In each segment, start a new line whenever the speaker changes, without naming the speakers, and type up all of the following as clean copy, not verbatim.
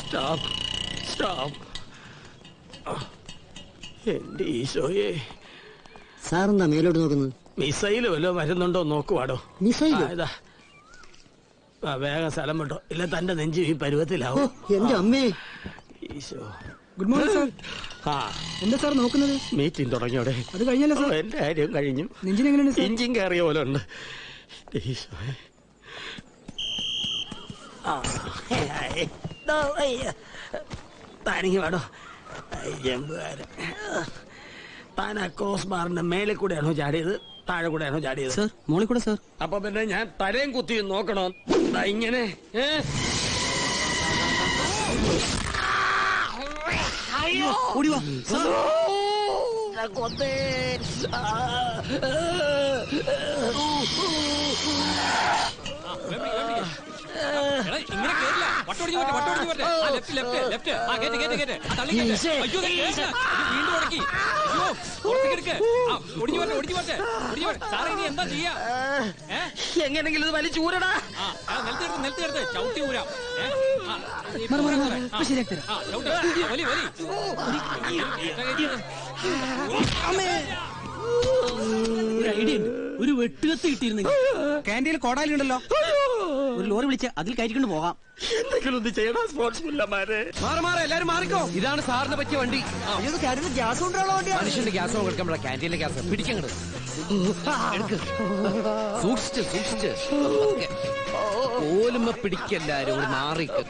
Stop stop. എന്റെ ഈശോയെ.
സാറെന്താ മേലോട്ട് നോക്കുന്നത്?
മിസൈല് വല്ലോ വരുന്നുണ്ടോ നോക്കുവാടോ.
മിസൈൽ?
വേഗം സ്ഥലം വിട്ടോ, ഇല്ല തന്റെ നെഞ്ചു ഈ പരുവത്തിലാവും.
എന്റെ അമ്മേ.
ഈശോ.
Good morning sir. എന്താ സാർ നോക്കുന്നത്?
മീറ്റിംഗ് തുടങ്ങിയോടെ.
അത് കഴിഞ്ഞല്ലോ സാർ.
എന്റെ കാര്യം കഴിഞ്ഞു.
എങ്ങനെയുണ്ട്?
എഞ്ചിൻ കയറിയ പോലെ ഉണ്ട്. താനിങ്ങി വേടോ. ജമ്പുകാരൻ താൻ ആ ക്രോസ് ബാറിന്റെ മേലെ കൂടെയാണോ ചാടിയത്, താഴെ കൂടെയാണോ ചാടിയത്?
സാർ മോളിൽ കൂടെ സാർ.
അപ്പൊ പിന്നെ ഞാൻ തലയും കുത്തി നോക്കണോ? ഇങ്ങനെ
ഓടിവാ
കൊത്തേ.
ഇങ്ങനെ കേറില്ല. വീണ്ടും ഉടക്കി. സാറേ ഇനി എന്താ ചെയ്യാ?
എങ്ങനെങ്കിലും ഇത് വലിച്ചൂരടാ.
നിലത്തെടുത്ത് ചവിട്ടി ഊരാം. വലി വലി.
ഒരു ഐഡിയ ഉണ്ട്. ഒരു വെട്ടുകത്ത് കിട്ടിയിരുന്നെങ്കിൽ. ക്യാൻറ്റീനിൽ കോടാലി ഉണ്ടല്ലോ, ഒരു ലോറി വിളിച്ച് അതിൽ കയറ്റിക്കൊണ്ട് പോകാം.
എന്തെങ്കിലും ഒന്ന് ചെയ്യണം സ്പോർട്സ്മാരെ.
മാറി എല്ലാരും മാറിക്കോ. ഇതാണ് സാറിന് പറ്റിയ വണ്ടി.
ഗ്യാസ് കൊണ്ടുള്ള വണ്ടിയാണ്.
മനുഷ്യന്റെ ഗ്യാസ് കൊടുക്കാൻ ക്യാൻറ്റീനിലെ ഗ്യാസ് പിടിക്കങ്ങട്. സൂക്ഷിച്ച് പോലുമ്പോ പിടിക്കല്ലാരും കൂടി മാറിക്കും.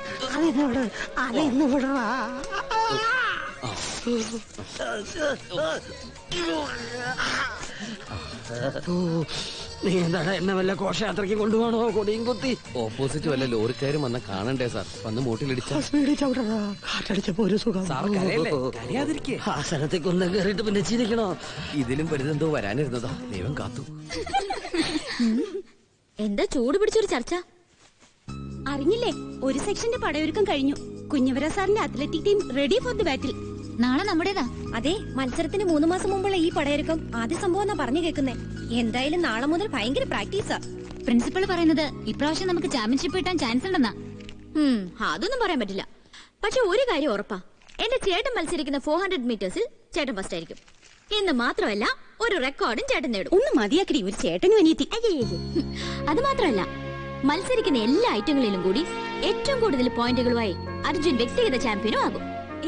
നീ എന്താണ് എന്നെ വല്ല ഘോഷയാത്രയ്ക്ക് കൊണ്ടുപോകണോ? കൊടിയും കുത്തി
ഓപ്പോസിറ്റ് വല്ല ലോറിക്കാരും വന്ന കാണണ്ടേ സാർ? വന്ന് മൂട്ടിലിടിച്ച
കാറ്റടിച്ചപ്പോ ഒരു സുഖം.
ആ
സ്ഥലത്തേക്ക് ഒന്നും കയറിയിട്ട് പിന്നെ ചിരിക്കണോ?
ഇതിലും വലുതെന്തോ വരാനിരുന്നതാ. ദൈവം കാത്തു.
എന്താ ചൂട് പിടിച്ചൊരു ചർച്ച? അറിഞ്ഞില്ലേ, ഒരു സെക്ഷന്റെ പടയൊരുക്കം കഴിഞ്ഞു. കുഞ്ഞവര സാറിന്റെ athletic team ready for the battle. നാളെ നമ്മുടേതാ. അതെ, മത്സരത്തിന് 3 മാസം മുമ്പുള്ള ഈ പടയൊരുക്കം ആദ്യ സംഭവം എന്നാ പറഞ്ഞു കേൾക്കുന്നേ. എന്തായാലും നാളെ മുതൽ ഭയങ്കര പ്രാക്ടീസാ.
പ്രിൻസിപ്പൾ പറയുന്നത് ഇപ്രാവശ്യം നമുക്ക് ചാമ്പ്യൻഷിപ്പ് കിട്ടാൻ ചാൻസ് ഉണ്ടെന്നാ.
അതൊന്നും പറയാൻ പറ്റില്ല. പക്ഷെ ഒരു കാര്യം ഉറപ്പാ, എന്റെ ചേട്ടൻ മത്സരിക്കുന്ന 400 മീറ്റേഴ്സിൽ ചേട്ടൻ ഫസ്റ്റ് ആയിരിക്കും. എന്ന് മാത്രമല്ല, ഒരു റെക്കോർഡും ചേട്ടൻ നേടും.
ഒന്ന് മതിയാക്കി, ഒരു ചേട്ടനും അനിയത്തി.
അത് മാത്രമല്ല, മത്സരിക്കുന്ന എല്ലാ ഐറ്റങ്ങളിലും കൂടി ഏറ്റവും കൂടുതൽ പോയിന്റുകളുമായി അർജുൻ വ്യക്തിഗത ചാമ്പ്യനും ആകും.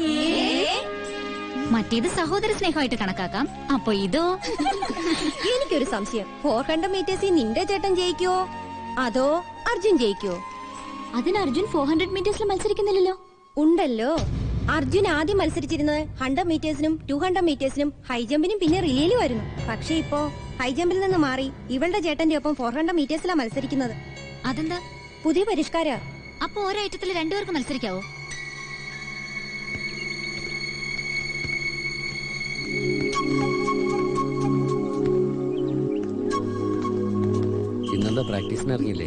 മറ്റേത് സഹോദര സ്നേഹമായിട്ട് കണക്കാക്കാം. അപ്പൊ ഇതോ?
എനിക്കൊരു സംശയം, 400 മീറ്റേഴ്സിൽ നിന്റെ ചേട്ടൻ ജയിക്കോ അതോ അർജുൻ ജയിക്കോ? അതിന് അർജുൻ 400 മീറ്റേഴ്സിൽ മത്സരിക്കുന്നില്ലല്ലോ. ഉണ്ടല്ലോ. അർജുൻ ആദ്യം മത്സരിച്ചിരുന്നത് 100 മീറ്റേഴ്സിനും 200 മീറ്റേഴ്സിനും ഹൈജമ്പിനും പിന്നെ റിലേയിലും ആയിരുന്നു. പക്ഷെ ഇപ്പോ ഹൈജമ്പിൽ നിന്ന് മാറി ഇവളുടെ ചേട്ടന്റെ ഒപ്പം 400 മീറ്റേഴ്സിലാണ് മത്സരിക്കുന്നത്.
അതെന്താ?
പുതിയ പരിഷ്കാര.
അപ്പൊ ഒരൈറ്റത്തിൽ രണ്ടുപേർക്ക് മത്സരിക്കാവോ?
ഇന്നെന്താ പ്രാക്ടീസിന് ഇറങ്ങിയില്ലേ?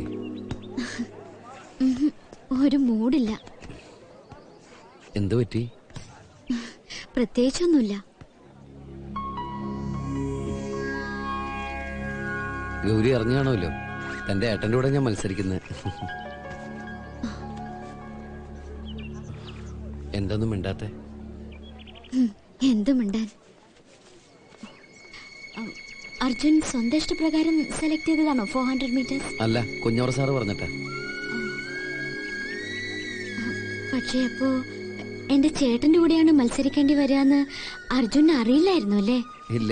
ഒരു മൂഡില്ല.
എന്തു പറ്റി?
പ്രത്യേകിച്ചൊന്നുമില്ല.
ഗൗരി അറിഞ്ഞാണല്ലോ തന്റെ ഏട്ടന്റെ കൂടെ ഞാൻ മത്സരിക്കുന്നത്. എന്തൊന്നും മിണ്ടാത്തെ?
എന്തും മിണ്ടാൻ. അർജുൻ സ്വന്തം ഇഷ്ടപ്രകാരം സെലക്ട് ചെയ്തതാണോ 400 മീറ്റേഴ്സ്?
അല്ല, കുഞ്ഞോറ സാറ് പറഞ്ഞിട്ടാ.
പക്ഷേ അപ്പോ എന്റെ ചേട്ടന്റെ കൂടെയാണ് മത്സരിക്കേണ്ടി വരാന്ന് അർജുൻ അറിയില്ലായിരുന്നു അല്ലേ?
ഇല്ല.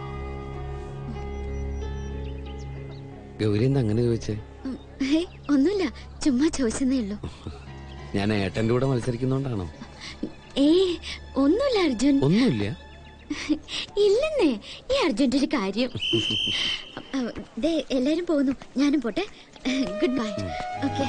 ഗൗരി എന്താ അങ്ങനെ ചോദിച്ചേ?
ഒന്നുമില്ല, ചുമ്മാ ചോദിച്ചെന്നേ ഉള്ളൂ.
ഞാൻ ഏട്ടന്റെ കൂടെ മത്സരിക്കുന്നോണ്ടാണോ?
ഒന്നുമില്ല അർജുൻ.
ഒന്നുമില്ല.
ഇല്ലെന്നേ, ഈ അർജുന്റെ ഒരു കാര്യം. എല്ലാരും പോകുന്നു, ഞാനും പോട്ടെ. Good bye. ഓക്കെ.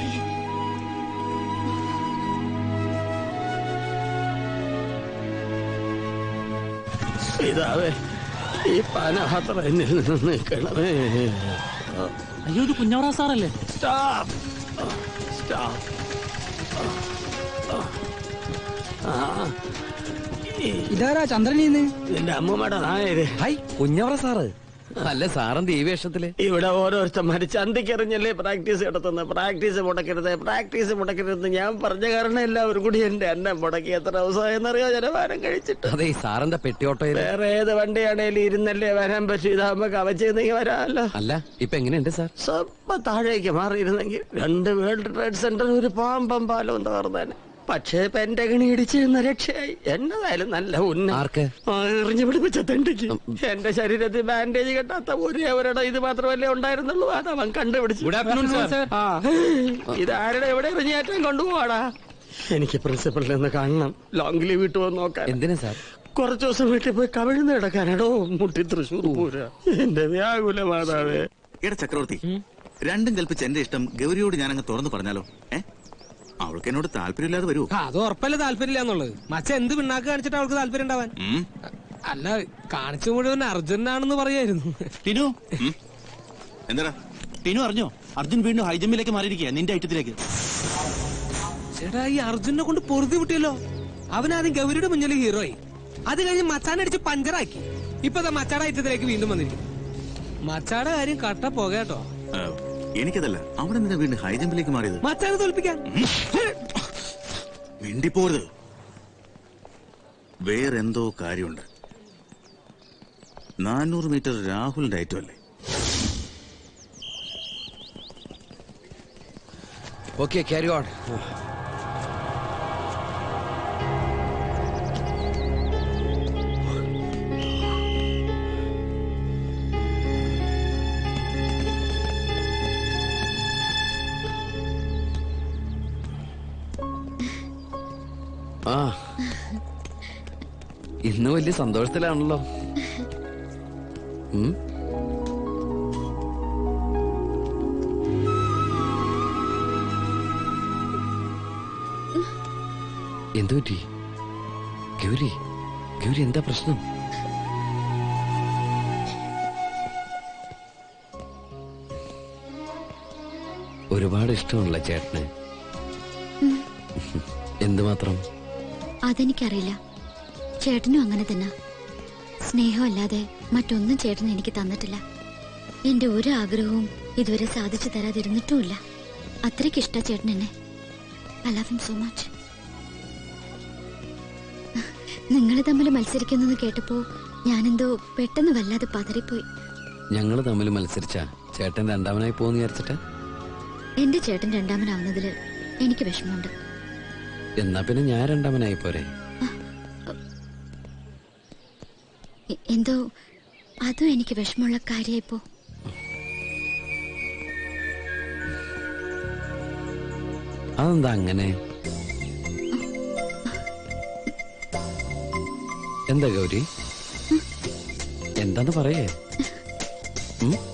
ഇതാവേ ഈ പാനപാത്ര എന്നിൽ നിന്ന് നിൽക്കണമേ.
അയ്യോ, ഇത് കുഞ്ഞവറ സാറല്ലേ?
Stop stop.
ഇതാരാ ചന്ദ്രനീന്ന്?
നിന്റെ അമ്മൂമ്മയുടെ നായത്.
Hi, കുഞ്ഞവറ sir. അല്ല സാറന്ത് ഈ വേഷത്തില്?
ഇവിടെ ഓരോരുത്തന്മാര് ചന്തിക്കെറിഞ്ഞല്ലേ പ്രാക്ടീസ് നടത്തുന്നത്. പ്രാക്ടീസ് മുടക്കരുത് ഞാൻ പറഞ്ഞ കാരണം എല്ലാവരും കൂടി എന്റെ അന്നം മുടക്കി. എത്ര ദിവസമായെന്നറിയോ ജലപാനം കഴിച്ചിട്ട്.
അതെ ഈ സാറന്താ പെട്ടിയോട്ടോയിൽ?
വേറെ ഏത് വണ്ടിയാണേലും ഇരുന്നല്ലേ വരാൻ പറ്റൂ. ഇതാകുമ്പോ കവച്ചെന്നെങ്കിൽ വരാമല്ലോ.
അല്ല ഇപ്പൊ എങ്ങനെയുണ്ട് സാർ?
സ്വപ്പം താഴേക്ക് മാറിയിരുന്നെങ്കിൽ 2 വേൾഡ് ട്രേഡ് സെന്റർ ഒരു പാമ്പം പാലവും തകർന്നേനെ. പക്ഷേ പെന്റഗണി ഇടിച്ചിരുന്ന രക്ഷയായി. എന്നതായാലും നല്ല
ആർക്ക്?
എറിഞ്ഞു പിടിപ്പിച്ച തെണ്ടിക്ക്. എന്റെ ശരീരത്തിൽ ബാൻഡേജ് കെട്ടാത്ത ഒരേവരുടെ ഇത് മാത്രമല്ലേ ഉണ്ടായിരുന്നുള്ളൂ. അതവൻ കണ്ടുപിടിച്ചു. ഇതാരുടെ എവിടെ എറിഞ്ഞേറ്റം കൊണ്ടുപോവാടാ. എനിക്ക് പ്രിൻസിപ്പളിൽ നിന്ന് കാണണം. ലോങ് ലീവ് ഇട്ട് വന്ന് നോക്കാൻ.
എന്തിനാ സാർ?
കുറച്ചു ദിവസം വീട്ടിൽ പോയി കവിഴ്ന്ന് കിടക്കാനാടോ. മുട്ടി തൃശ്ശൂർ പൂര. എന്റെ വ്യാകുല മാതാവേ.
എടാ ചക്രവർത്തി, രണ്ടും കൽപ്പിച്ച് എന്റെ ഇഷ്ടം ഗൗരിയോട് ഞാനങ്ങ് തുറന്നു പറഞ്ഞാലോ? അവൾക്ക് എന്നോട് താല്പര്യമില്ലാതെ വരൂ?
അത് ഉറപ്പല്ലേ താല്പര്യമില്ല എന്നുള്ളത്. മച്ച എന്ത് പിണ്ണാക്ക് കാണിച്ചിട്ട് അവൾക്ക് താല്പര്യം ഉണ്ടാവാൻ? അല്ല കാണിച്ചു മുഴുവൻ അർജുനാണെന്ന് പറയായിരുന്നു.
ടിനു എന്താ ടിനു അറിഞ്ഞോ? അർജുൻ വീണ്ടും ഹൈജമ്പിലേക്ക് മാറിയിരിക്കുക നിന്റെ ഐറ്റത്തിലേക്ക്.
ചേട്ടാ ഈ അർജുനെ കൊണ്ട് പൊറുതി വിട്ടിയല്ലോ. അവനാദ്യം ഗൗരിയുടെ മുന്നിൽ ഹീറോയി. അത് കഴിഞ്ഞ് മച്ചാനടിച്ച് പഞ്ചറാക്കി. ഇപ്പൊ മച്ചാടെ ഐറ്റത്തിലേക്ക് വീണ്ടും വന്നിരിക്കും. മച്ചാടെ കാര്യം കട്ട പോകട്ടോ.
എനിക്കതല്ല, അവിടെ നിന്ന് വീണ്ടും ഹൈജമ്പിലേക്ക് മാറിയത്.
മച്ചാനെ തോൽപ്പിക്കാൻ
മിണ്ടിപ്പോരുത്. വേറെന്തോ കാര്യമുണ്ട്. 400 മീറ്റർ രാഹുലിന്റെ ഐറ്റമല്ലേ?
Okay carry on. ആ ഇന്ന് വലിയ സന്തോഷത്തിലാണല്ലോ. എന്തു പറ്റി ഗൗരി? ഗൗരി എന്താ പ്രശ്നം? ഒരുപാട് ഇഷ്ടമുള്ള ചേട്ടന്. എന്തുമാത്രം?
അതെനിക്കറിയില്ല. ചേട്ടനും അങ്ങനെ തന്നെ. സ്നേഹമല്ലാതെ മറ്റൊന്നും ചേട്ടൻ എനിക്ക് തന്നിട്ടില്ല. എന്റെ ഒരു ആഗ്രഹവും ഇതുവരെ സാധിച്ചു തരാതിരുന്നിട്ടുമില്ല. അത്രയ്ക്ക് ഇഷ്ട ചേട്ടൻ എന്നെ. I love him so much. നിങ്ങൾ തമ്മിൽ മത്സരിക്കുന്നത് കേട്ടപ്പോ ഞാനെന്തോ പെട്ടെന്ന് വല്ലാതെ പതറിപ്പോയി.
ഞങ്ങൾ തമ്മിൽ മത്സരിച്ച ചേട്ടൻ രണ്ടാമനായി പോകുന്ന വിചാരിച്ചിട്ട്?
എന്റെ ചേട്ടൻ രണ്ടാമനാവുന്നതില് എനിക്ക് വിഷമമുണ്ട്.
എന്നാ പിന്നെ ഞാൻ രണ്ടാമനായി പോരെ?
എന്തോ അതും എനിക്ക് വിഷമമുള്ള കാര്യായിപ്പോ.
അതെന്താ അങ്ങനെ? എന്താ ഗൗരി? എന്താന്ന് പറയേ?